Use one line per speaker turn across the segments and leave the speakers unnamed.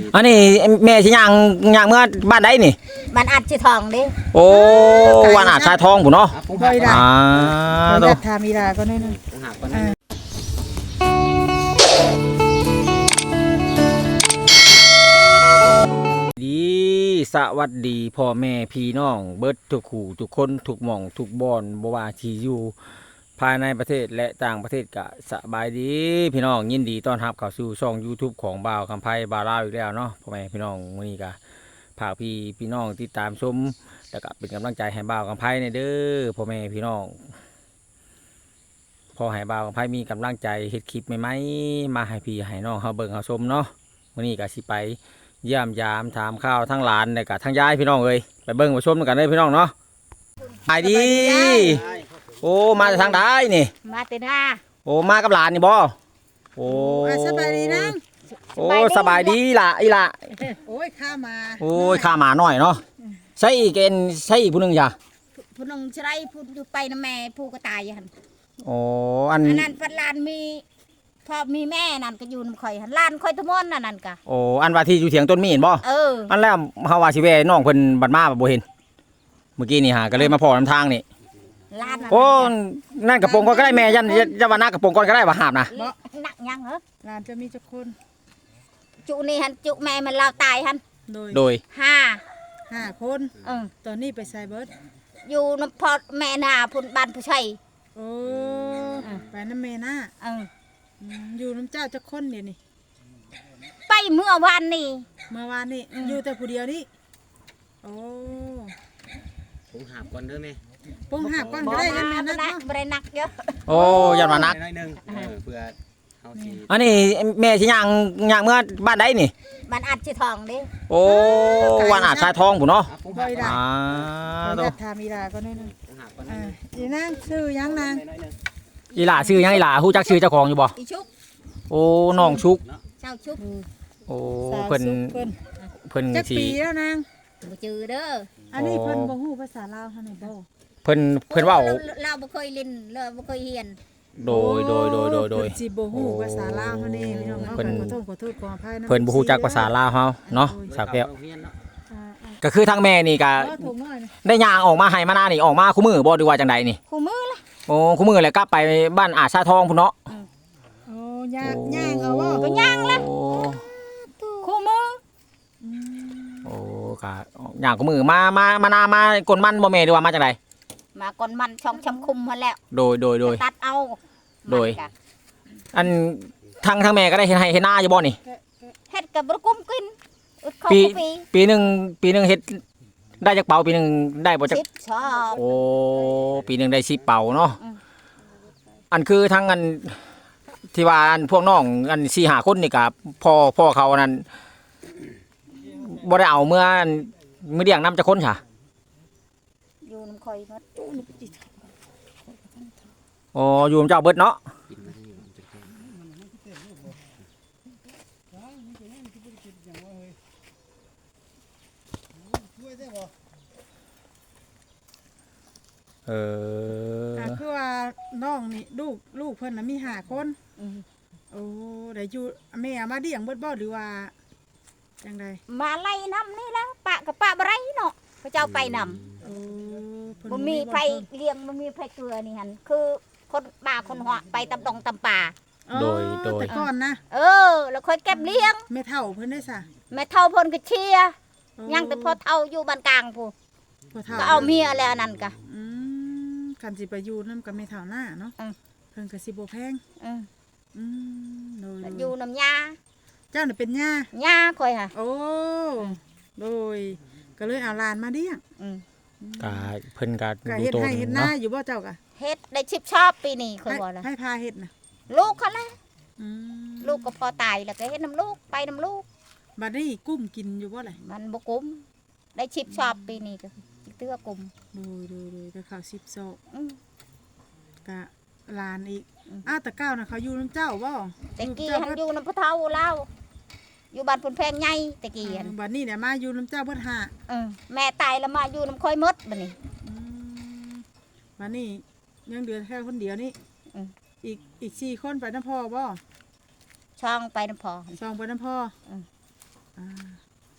อันนี้แม่สิย่างเมื่อบ้านใดนี่
บ้านอัดชื่อทองดิ
โอ้วันอาจชายทองพุ่นเนาะ
ต้องทำมีดาก็นั่น
ดีสวัสดีพ่อแม่พี่น้องเบิดทุกคู่ทุกคนทุกหม่องทุกบอนบ่ว่าที่อยู่ภายในประเทศและต่างประเทศก็สบายดีพี่น้องยินดีต้อนรับเข้าสู่ช่อง YouTube ของบ่าวคำไพบ่าวลาวอีกแล้วเนาะพ่อแม่พี่น้องมื้อนี้ก็ฝากพี่น้องติดตามชมแล้วก็เป็นกำลังใจให้บ่าวคำไพในเด้อพ่อแม่พี่น้องพอให้บ่าวคำไพมีกำลังใจเฮ็ดคลิปใหม่ๆมาให้พี่ให้น้องเฮาเบิ่งเฮาชมเนาะมื้อนี้ก็สิไปเยี่ยมยามถามข้าวทั้งหลานและก็ทั้งยายพี่น้องเอ้ยไปเบิ่งไปชมกันเลยพี่น้องเนาะไปดีโอ้มาจากทางใดนี่
มาเตน่า
โอ้มากับหลานนี่บ่โอ้
สบายดีนะ
โอ้สบายดีล่ะอีล่ะ
โอ้ยข้ามา
โอ้ยข้ามาหน่อยเนาะใช่เกณฑ์ใช่ผู้นึงจ้ะ
ผู้นึงใช่ผู้อยู่ไปนะแม่ผู้ก็ตายหัน
โอ้อัน
นั้นพัดลานมีพอมีแม่นั่นก็อยู่น้ำข่อยหันลานข่อยทุกมนนั่นก็
โอ้อันว่าที่อยู่เถียงต้นมีเห็นบ่อันแล้วเฮาว่าสิแว่น้องเพิ่นบัดมาบ่เห็นเมื่อกี้นี่หาก็เลยมาพอนํทางนี่โอ้นั่นกระโปรงก่อนก็ได้แม่ยันว่าหน้ากระโปรงก่อนก็ได้ว่าหาบนะ
หนักยังเหรอ
หลานจะมีจักคน
จุนี่หันจุแม่มันเล่าตายหัน
โดย
5 คนตอนนี้ไปไซเบิร์ด
อยู่น้ำพอแม่นาพุ่นบ้านผู้ชัย
โอ้ไปน้ำแม่นาอยู่น้ำเจ้าจักคนเดี๋ยวนี้
ไปเมื่อวานนี่
อยู่แต่ผู้เดียวนี่โอ้
ผมหาบก่อนเด้อแม่
ปงหาบก่อนก็ได้ยันนักเนาะ
บ่ได้นักเยอะ
โอ้ยันมานัก
น้อยนึงเพื่อเฮาสิ
อันนี้แม่สิย่างเมื่อบ้านใดนี่
บ้านอัดชื่อทองดิ
โอ้วันอาจชายทองพุ่นเนาะ
ต้องทำมีดาก็นั่นอีนางชื่อยังนาง
อีหล่าชื่อยังอีหล่าฮู้จักชื่อเจ้าของอยู่บ่
อีชุก
โอ้น้องชุก
เจ้าชุก
โอ้เพิ่น
จักปีแล้วนาง
บ่จือเด้อ
อันนี้เพิ่นบ่ฮู้ภาษาลาวเฮานี่บ่
เพิ่นเว้า
เราบ่เคยเรียนเราบ่เคยเรียน
โดย
สิบ่ฮู้ภาษาลาวเฮานี่พี่น้องเนาะขอโทษขออภัยนะ
เพิ่นบ่ฮู้จักภาษาลาวเฮาเนาะสาวแก้วก็คือทางแม่นี่ก็ได้ย่างออกมาให้มาหน้านี่ออกมาคู่มือบ่ดีว่าจังไดนี่
คู่มือล่ะ
โอ้คู่มือแล้วกลับไปบ้านอาชาทองพุ่นเนาะ
โอ้ย่างเอาบ่
ก็ย่างละคู่มือ
โอ้ก็ย่างคู่มือมาหน้ามากลมันบ่แม่ดีว่ามาจังได
มาก่อนมันช่องชำคุมมาแล้ว
โดย
ตัดเอา
โดยอันทางแม่ก็ได้เห็นให้เห็นหน้าอยู่บ่นี่
เฮ็ดกับบกุ้มกิน
ปีหนึ่งเฮ็ดได้จักเป่าปีหนึ่งได้บ่จักโอ้ปีหนึ่งได้10 เป่าเนาะอันคือทั้งอันที่ว่าอันพวกน้องอัน4-5 คนนี่กับพ่อเขานั้นบ่ได้เอาเมื่อเลี้ยงน้ำจักคนค่ะ
อยู่น้ำข่อยหมด
โอ้อยู่เจ้าเบิดเนาะ
คือว่าน้องนี่ลูกเพิ่นน่ะมี5 คนโอ้ได้อยู่แม่มาเลี้ยงเบิดบ่หรือว่าจังได
มาไล่น้ำนี่แล้วปะกับปะบ่ไรเนาะเขาเจ้าไปนำบ่มีไผเลี้ยงบ่มีไผเกลือนี่หั่นคือคนป่าคนหัวไปตำดงตำป่า
โดย
แต่ก่อนนะ
แล้วค่อยเก็บเลี้ยง
แม่เฒ่าเพิ่นได้ซะ
แม่เฒ่าเพิ่นก็เชียร์ยังแต่พอเฒ่าอยู่บ้านกลางผู้ก็เอาเมียแล้วนั่นก็
คันสิไปอยู่นำกับแม่เฒ่าหน้าเนาะเพิ่นก็สิบ่แพง
โดยอยู่น้ำยา
เจ้าน่ะเป็นย่
าค่อยค่ะ
โอ้โดยก็เลยเอาหลานมาเลี้ยง
ก็เพิ่นก็
เฮ็ดให้เฮ็ดหน้าอยู่บ่เจ้าก็
เฮ็ดได้10 ชอบปีนี้ค่อยบ่ล่ะ
ให้พาเฮ็ดน่ะ
ลูกเขาแหละลูกก็พอตายแล้วก็เฮ็ดน้ำลูกไปน้ำลูก
บัดนี้กุ้มกินอยู่บ่ล่ะ
มันบ่กุ้มได้10 ชอบปีนี้ก็เตื้อกุ้ม
โดยก็ข้าว10 ซอกก็หลานอีกแต่ก้าวน่ะเขาอยู่น้ำเจ้าบ่
ตะกี้หันอยู่น้ำพ่อเฒ่าเล่าอยู่บ้านพุ่นแพงใหญ่ตะกี้หัน
บัดนี้เนี่ยมาอยู่น้ำเจ้าเบิด
แม่ตายแล้วมาอยู่น้ำค่อยมดบัดนี้
บัดนี้ยังเดือนแค่คนเดียวนี่อีก4 คนไปน้ำพ่อบ่
ช่องไปน้ำพ่อ
ช่องไปน้ำพ่อ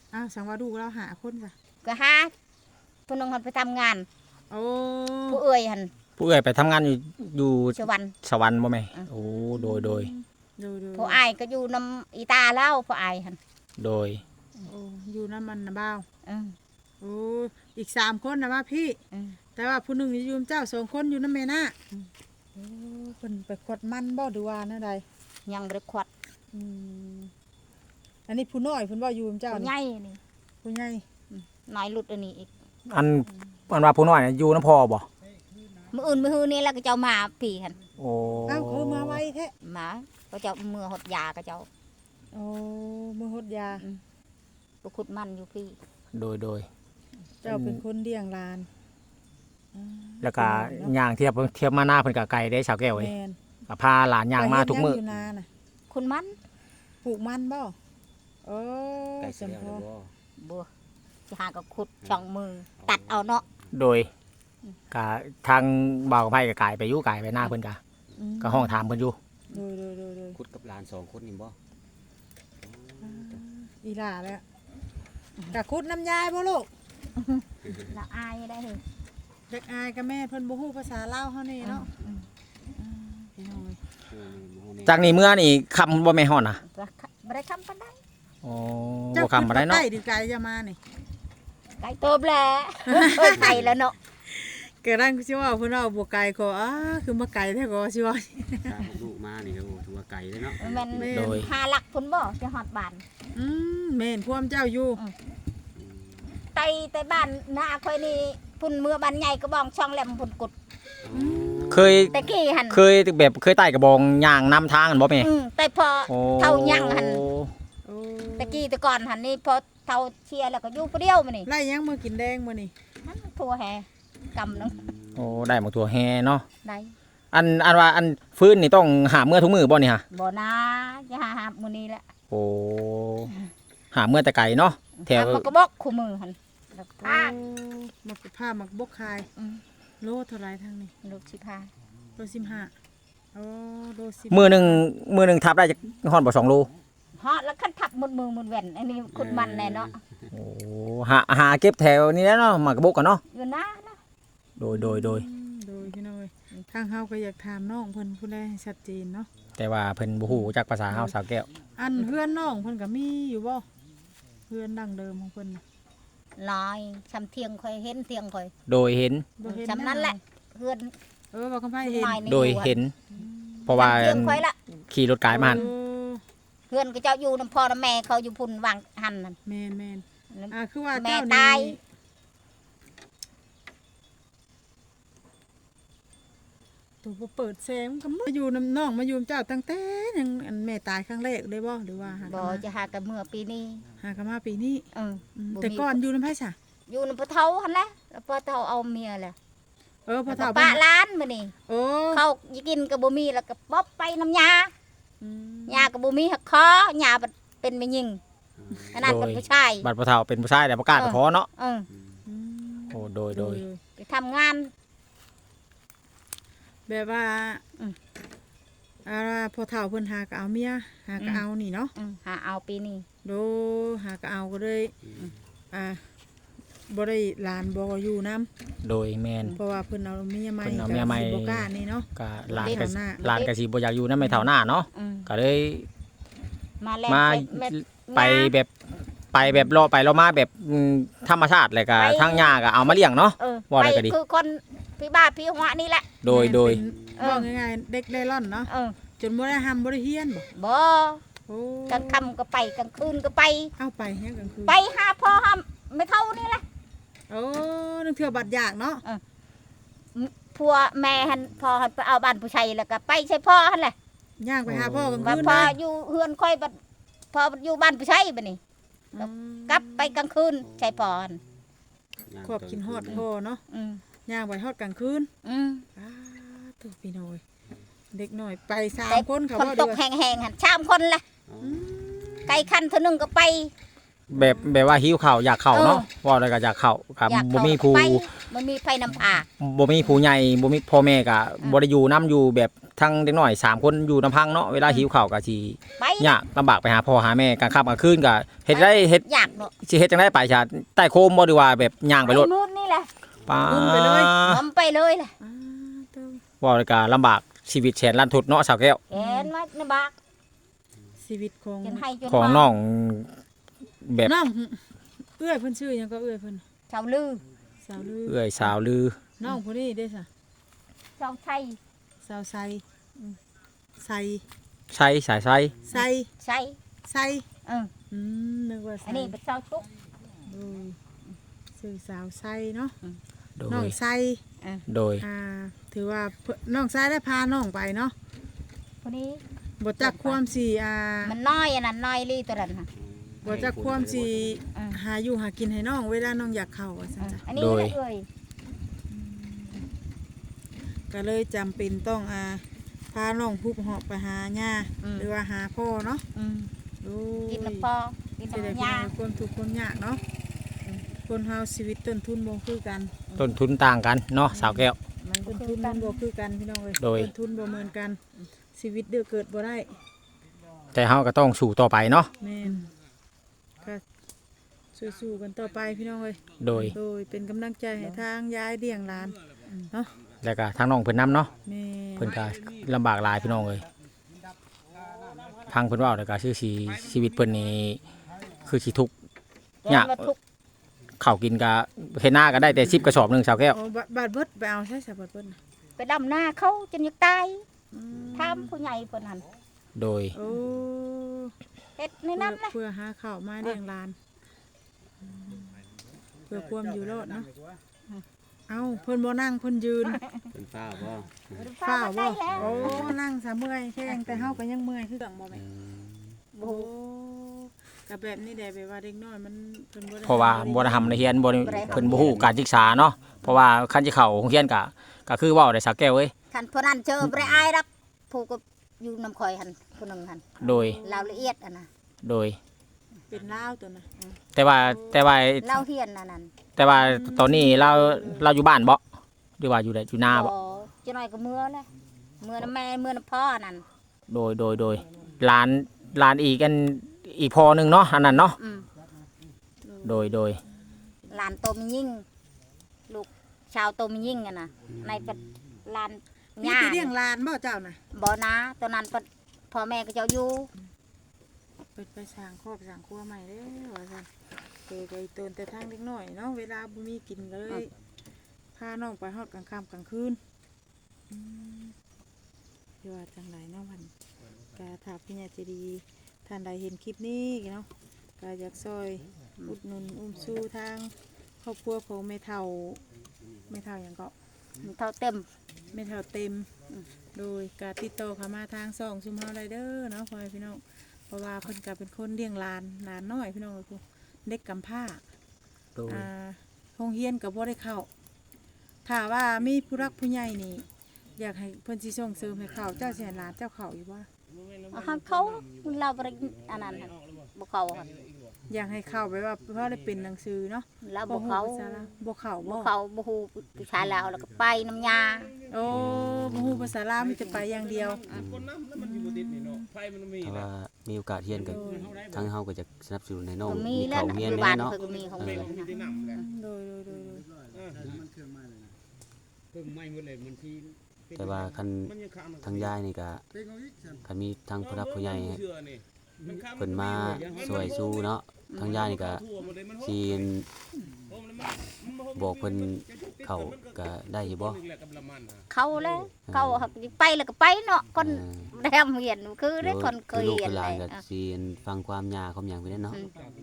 อ้าวสังว่าลูกเราหาคนจ้ะ
ก็หาผู้นึงหันไปทำงาน
โอ้
ผู้เอื้อยหัน
ผู้เอ่ยไปทำงานอยู่
สวรรค์
สวรรค์บ่แม่โอ้โดย
ดู
ผู้อายก็อยู่นำอีตาแล้วผู้อายหัน
โดย
โอ้อยู่น้ำมันนะบ่าว
อืม
โอ้อีก3คนนะว่าพี่
อืม
แต่ว่าผู้หนึ่งอยู่นำเจ้า2คนอยู่น้ำแม่น่ะโอ้เพิ่นไปขดมันบ่หรือว่าแนวใด
ยังบ่ได้ขวัด
อืมอันนี้ผู้น้อยเพิ่นบ่อยู่นำเจ้า
ผู้
นี่
ใหญ่นี่
ผู้ใหญ่
น้อยหลุดอันนี้อีก
อันว่าผู้น้อยน่ะอยู่น้ำพ่อบ่
มื้ออื่นมื้อฮื้อนี่แล้วก็เจ้ามาพี่หัน
โอ้
อ้าวคือมาไวแท้
มาก็เจ้ามือหดยาก็เจ้า
โอ้มือหดยา
ไปขุดมันอยู่พี่
โดย
เจ้าเป็นคนเลี้ยงหลาน
แล้วก็ย่างเทียบมาหน้าเพิ่นก็ไกลได้ชาวแก้วเอ้ย
แม่น
ก็พาหลานย่างมาทุกมื้อ
ไปเฮ็ดหยังอยู่นาน่ะ
คุณมัน
ปลูกมันบ่โอ้
ใกล้สิ
สม
แล้ว
พ
เด้
อ
อบ่
บัวจะหาก็ขุดช่องมือ ตัดเอาเนาะ
โดยก็ทางบ่าวกับไผก็ไกลไปอยู่ไกลไปหน้าเพิ่นก็ห้องถามเพิ่นอยู่
โดย
คุดกับหลาน2คนนี่บ่
อีหล่าแล้วกะคุดน้ำยายบ่ลูก
ละอายได้เลย
เด็กอายกับแม่เพิ่นบ่ฮู้ภาษาลาวเฮานี่เนาะพี่น้อย
จากนี้เมื่อนี่คำบ่แม่นฮอดน่ะ
บ่ได้คำปานใด
โอ้บ่คำบ่ได้เนาะ
ใกล้ดีไกลจะมานี่
ไก่โตบแหละไก่แล้วเนาะ
เกิดร่างสิว่าเพิ่นเอาบ่ไกลก็คือมาไกลแท้ก็สิว่า
ถ้าลูกมานี่ก็ถือว่าไกลเลยเนาะ
มัน
โดย
หาหลักพุ่นบ่จะฮอดบ้าน
แม่นพวมเจ้าอยู่
ไตแต่บ้านหน้าค่อยนี่พุ่นเมื่อบ้านใหญ่ก็บ้องช่องแหลมพุ่นกุด
เคย
แต่กี้หัน
เคยไต่กระบองย่างนำทางกันบ่แม่
แต่พอ
โอ้
เท่ายังหัน
โอ้
แต่กี้แต่ก่อนหันนี่พอเท่าเชียร์แล้วก็อยู่ผู้เดียวมานี่
ไล่ยังมื้อกินแดงมื้อนี่
มันทั่วแฮกำนึง
โอ้ได้หมกตัวแฮเนาะ
ได้
อันว่าอันฟื้นนี่ต้องหาเมื่อทุกมือบ่นี่ฮะ
บ่นะจะหามื้อนี้แหละ
โอ้หาเมื่อแต่ไก่เนาะแถว
มันก็บอกคู่มือหันแล้วก็
โอ้มักผ้ามักบกคาย
อืม
โลเท่าไหร่ทางนี้
ลูกสิพา
โล15โอ้โล10
มือหนึ่งทับได้จากฮอดบ่2 โล
ฮอดแล้วคันทับมือแว่นอันนี้คุณมันแน่เนาะ
โอ้หาเก็บแถวนี้แล้วเนาะหมากระบกกันเนาะ
อยู่นะ
โดย
โดยพี่น้อยทางเฮาก็อยากถามน้องเพิ่นผู้ใดให้ชัดเจนเนาะ
แต่ว่าเพิ่นบ่ฮู้จักภาษาเฮาสาวแก้ว
อันเพื่อนน้องเพิ่นก็มีอยู่บ่เพื่อนดั้งเดิมของเพิ่นน่ะ
ลอยชำเทียงค่อยเห็นเทียงค่อย
โดยเห็น
บ่เห็น
ชำนั้นแหละเพื่อน
บ่คำไผเห็น
น้อยนี่
โดยเห็น เพราะว่า
ชำเทียงค่อยละ
ขี่รถกายมาหั่น
โอ้
เพื่อนก็เจ้าอยู่น้ำพ่อน้ำแม่เขาอยู่พุ่นวางหันนั่น
แม่นคือว่า
แม่
เจ้า
ตาย
นี่ตัวบ่เปิดแสงก็มาอยู่น้ำน้องมาอยู่นำเจ้าตั้งแต่ยังอันแม่ตายครั้งแรกเลยบ่หรือว่าหา
บ่
กันมา
จะหากันเมื่อปีนี้
หากันมาปีนี้
เออ บ่
แต่
มี
ก่อนอยู่น้ำไผซะ
อยู่น้ำพ่อเฒ่าหันแหละแล้วพ่อเฒ่าเอาเมียแหละ
พอ
แล้วก็
เฒ่า
ปะร้านมื้อนี้
โอ้
เขาสิกินก็บ่มีแล้วก็ป๊อบไปน้ำยา
อืม
ยาก็บ่มีหักคอหญ้าเป็นแม่ยิงขนาดเป็นผู้ชาย
บัดพ่อเฒ่าเป็นผู้ชายแต่บ่กล้าไปขอเนาะ
เออ
อืม
โอ้โดย
ไปทำงาน
แบบว่า
อืม
พอเฒ่าเพิ่นหาก็เอาเมียหาก็เอานี่เนาะ
หาเอาปีนี้
โดหาก็เอาก็เลยบ่ได้หลานบ่อยู่นํ
โดยแม่น
เพราะว่าเพิ่นเอาเมียใหม่
เพิ่นเอาเมียใหม่
ก็สิบ่กล้านี่เนาะ
ก็หลาน
เด็
ก็
กหน้า
หลานก็สิบ่อยากอยู่นำแม่เฒ่าหน้าเนาะ
อืม
ก็เลย
มาแล้ว
มา ไปแบบรอไปรอมาแบบธรรมชาติเลยก็ทางหญ้าก็เอามาเลี้ยงเนาะ
เออ
ว่าได้ก็ดี
คือคนพี่บ้าพี่หัวนี่แหละ
โดย
เออ
ว่าง่ายๆเด็กได้ร่อนเนาะ
เออ
จนบ่ได้ห้ำบ่ได้เฮียนบ่
บ่
โอ้
กลางค่ำก็ไปกลางคืนก็ไป
เอาไปเฮียกลางคืน
ไปหาพ่อหาไม่เท่านี่แหละ
โอ้นึกเทื่อบัดยากเนาะ
พัวแม่หันพ่อหันไปเอาบ้านผู้ชายแล้วก็ไปใช่พ่อหันแหละ
ย่างไปหาพ่อกลาง
ว่า
คืน
พ่อ
นะ
อยู่เฮือนค่อยบัดพ่ออยู่บ้านผู้ชายบัดนี้
อืม
กลับไปกลางคืนใช่พ่อหัน
ครอบกินฮอดพ่อเนาะ
อืม
ย่างไปฮอดกลางคืน
อืม
ตัวพี่น้อย เด็กน้อยไปสา
แต่
มคนเขา
คน
บ่
ต
เดื
ก
อ
แห้งๆหันชามคนละ
อืม
ไก่คันเท่านึงก็ไป
แบบว่าหิวข้าวอยากเข้าเนาะว่าอะไรก็อยากเข้าครับ
อยาก
บ่
เข้า
มีผู้
ไปมันมีไฟนำพา
บ่มีผู้ใหญ่บ่มีพ่อแม่ก็บ่ได้อยู่นํอยู่แบบทั้งเด็กน้อย3คนอยู่ลำพังเนาะเวลาหิวข้าวก็สิ
ไป
ยากลำบากไปหาพ่อหาแม่กลางค่ำกลางคืนก็เฮ็ดได้เฮ็ด
อยากเนาะ
สิเฮ็ดจังได๋ไปชาใต้โคมบ่ดีว่าแบบย่างไปรถ
นู่นนี่แหละ
ป้า
น้ำไปเลยแหละ
เต้า
ว่าแล้วก็ลำบากชีวิตแสนลันทดเนาะสาวแก้ว
เห็นไหมในบาก
ชีวิตของ
จนให้จน
ของ
มา
น้องแบบ
น้องเอื้อยเพิ่นชื่อหยังก็เอื้อยเพิ่น
ชาวลือ
สาวลือ
เอื้อยสาวลือ
น้องผู้นี้เด้ซะ
ชาวไทย
สาวไซไซ
ใช้สายไซ
ไซ
ใช่
ไซ นึกว่าไซ
อันนี้เป็นชาวชุก
ดูชื่อสาวไซเนาะ
โด
น้อง
ย
ไซ
โดย
ถือว่าน้องไซได้พาน้องไปเนาะ
คนนี้
บ่จักความสิ
มันน้อยอันนั้นน้อยลีตัวนั้นค่ะ
บ่จักความสิหาอยู่หากินให้น้องเวลาน้องอยากเข้าว่าซั่นจ้ะ
อันนี้เลยเอ้ย
ก็เลยจำเป็นต้องพาน้องพุบหอบไปหาย่าหรือว่าหาพ่อเนาะดู
กินน้ำพอกิน
สิได้
น้ำ
พี่
ยา
น้องความทุกข์ความยากเนาะคนเฮาชีวิตต้นทุนบ่คือกัน
ต้นทุนต่างกันเนาะสาวแก้ว
มัน
ต้น
คื
ทุ
อน กั
มัน นบ่คือกันพี่น้องเอ้ย
โดย
ต้นทุนบ่เหมือนกันชีวิตเดือเกิดบ่ได้
แต่เฮาก็ต้องสู้ต่อไปเนาะ
แม่นก็สู้ๆกันต่อไปพี่น้องเอ้ย
โดย
โดยเป็นกำลังใจให้ทางยายเลี้ยงหลานเนาะ
แล้วก็ทางน้องเพิ่นนํเนาะ
แม่
เพิ่นก็ลำบากหลายพี่น้องเอ้ยพังเพิ่นเว้าแล้วก็ชื่อสิชีวิตเพิ่นนี่คือสิทุกข์
ยากทุก
ข้าวกินก็เฮ็ดหน้าก็ได้แต่10กระสอบหนึงสาวแก้ว
โอ้บาดเบิดไปเอาใช่สะบาดเบิดน่ะ
ไปดำหน้าเขาจนอยากตาย
อืม
ทำผู้ใหญ่เพิ่นหัน
โดย
โอ้
เฮ็ดในนั้นนะ
เพื่อหาข้าวมาเลี้ยงหลานเพื่อความอยู่รอดเนาะเอ้าเพิ่นบ่นั่งเพิ่นยืน
เป็นฟ้าบ่
ฝ้าวบ่
ได้แล้ว
โอ้นั่งซะเมื่อยแข้งแต่เฮาก็ยังเมื่อยคือกันบ่แม่
โอ้
โอ้ก็แบบนี้แหละแบบว่าเด็กน้อยมันเพิ่นบ่ได้
เพราะว่าบ่ได้ทำในเรียนบ่ได้เพิ่นบ่ฮู้การศึกษาเนาะเพราะว่าคันสิเข้าโรงเรียนก็คือเว้าได้สาวแก้วเอ้ย
คันผู้นั้นเจอบ่ได้อายดอกผู้ก็อยู่นำข่อยหันผู้หนึงหัน
โดย
เราละเอียดอันน่ะ
โดย
เป็นลาวตัวน่ะ
แต่ว่า
เราเฮียนอันนั้น
แต่ว่าตอนนี้เราอยู่บ้านบ่หรือว่าอยู่ได้อยู่นาบ่
จะน้อยก็เมื่อเลยเมื่อน้ำแม่เมื่อน้ำพ่อนั่น
โดยหลานอีกอันอีกพอหนึงเนาะอันนั้นเนาะ
อืม
โดย
หลานโตมียิ่งลูกชาวโตมียิ่งอะนะในเป็นหลาน
มี
ย่า
แต่เลี้ยงหลานบ่เจ้าน่ะ
บ่นะตอนนั้นเพิ่นพ่อแม่ก็เจ้าอยู่
เปิดไปสร้างครอบสร้างครัวใหม่เด้อว่าซั่นเจอใจตนแต่ทางเด็กน้อยเนาะเวลาบ่มีกินก็เลยพาน้องไปฮอดกลางค่ำกลางคืนเดี๋ยวว่าจังไดเนาะมันก็ถ้าพี่ใหญ่ใจดีท่านใดเห็นคลิปนี้เนาะก็อยากซอยอุดหนุนอุ้มสู้ทางครอบครัวของแม่เฒ่าหยังก็
มันเท่าเต็ม
แม่เฒ่าเต็มโดยการติดต่อเข้ามาทางช่องซุมเฮาได้เด้อเนาะพ่อแม่พี่น้องเพราะว่าเพิ่นก็เป็นคนเลี้ยงหลานน้อยพี่น้องคือเด็กกำพร้า
โดย
โรงเรียนก็บ่ได้เข้าถ้าว่ามีผู้รักผู้ใหญ่นี่อยากให้เพิ่นสิส่งเสริมให้เข้าเจ้าสิให้หลานเจ้าเข้าอยู่บ่
เอาหันเขาเราบ่ได้อันนั้นหั่นบ่เขาหั่น
อยากให้เข้าไปว่าเพราะได้เป็นหนังสือเนาะ
เราบ่เขา
ภาษาลาวบ่เข้า
บ่
บ่
เขาบ่ฮู้ผู้ชายลาวแล้วก็ไปน้ำยา
โอ้บ่ฮู้ภาษาลาวมีแต่ไปอย่างเดียว
ถ้าว่ามีโอกาสเรียนก็ทางเฮาก็จะสนับสนุนให้น้อง
ก็มี
มี
แล้ว
เข้าโรงเรียน
อยู่
แน่
บ้าน
เนาะ
เพิ่นก็มีของเรียนนะ
โดย
แต่ว่าคันทางยายนี่ก็คันมีทางผู้รับผู้ใหญ่เพิ่นมาช่วยสู้เนาะทางยายนี่ก็สิบอกเพิ่นเข้าก็ได้อยู่บ่
เขาแล้วเขาหักไปแล้วก็ไปเนาะคนแรมเรียนคือได้คนเคย
ลูก
เรียน
คือห
เล
ลาน
ย
ก็สิฟังความยาความหยังไปเนาะ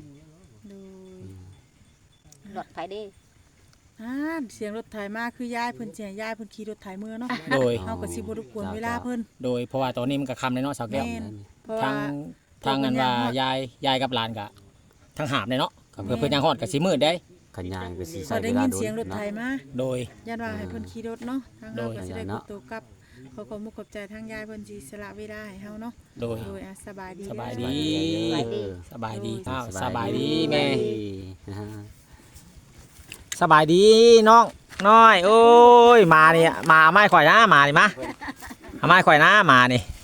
รถไฟดิ
เสียงรถไถมาคือยายเพิ่นสิให้ยายเพิ่นขี่รถไถมือเนาะ
โดย
เฮาก็สิบ่รบกวนเวลาเพิ่น
โดยเพราะว่าตอนนี้มันก็ค่ำแล้วเนาะสาวแก้ว
แม่น เพราะ
ทา
ว่า
ทางนั้นว่ายายกับหลานก็ทั้งหาบเลยเนาะเพื่อเพิ่นยังฮอดก็สิมืดได้
คันยายก็สิ
พ
ใช้
อ
เว
ได้
ลา
ยิน
โดน
เสียงรถไถ
เนาะ
มา
โดย
ยันว่าให้เพิ่นขี่รถเนาะทางเราก็สิได้
โดย
กดตัวกลับขอมุกขอบใจทางยายเพิ่นสิสละเวลาให้เฮาเนาะ
โดย
โดยสบายดี
สบาย
เด้
ดี
อ
สบายดีอ้าว
ส
ส
บา
บาย ย
ดี
ดีแม่
นะฮะ
สบายดีน้องน้อยโอ้ยมานี่มาไม้ข่อยนะมานี่มาเอาไม้ข่อยนะมานี่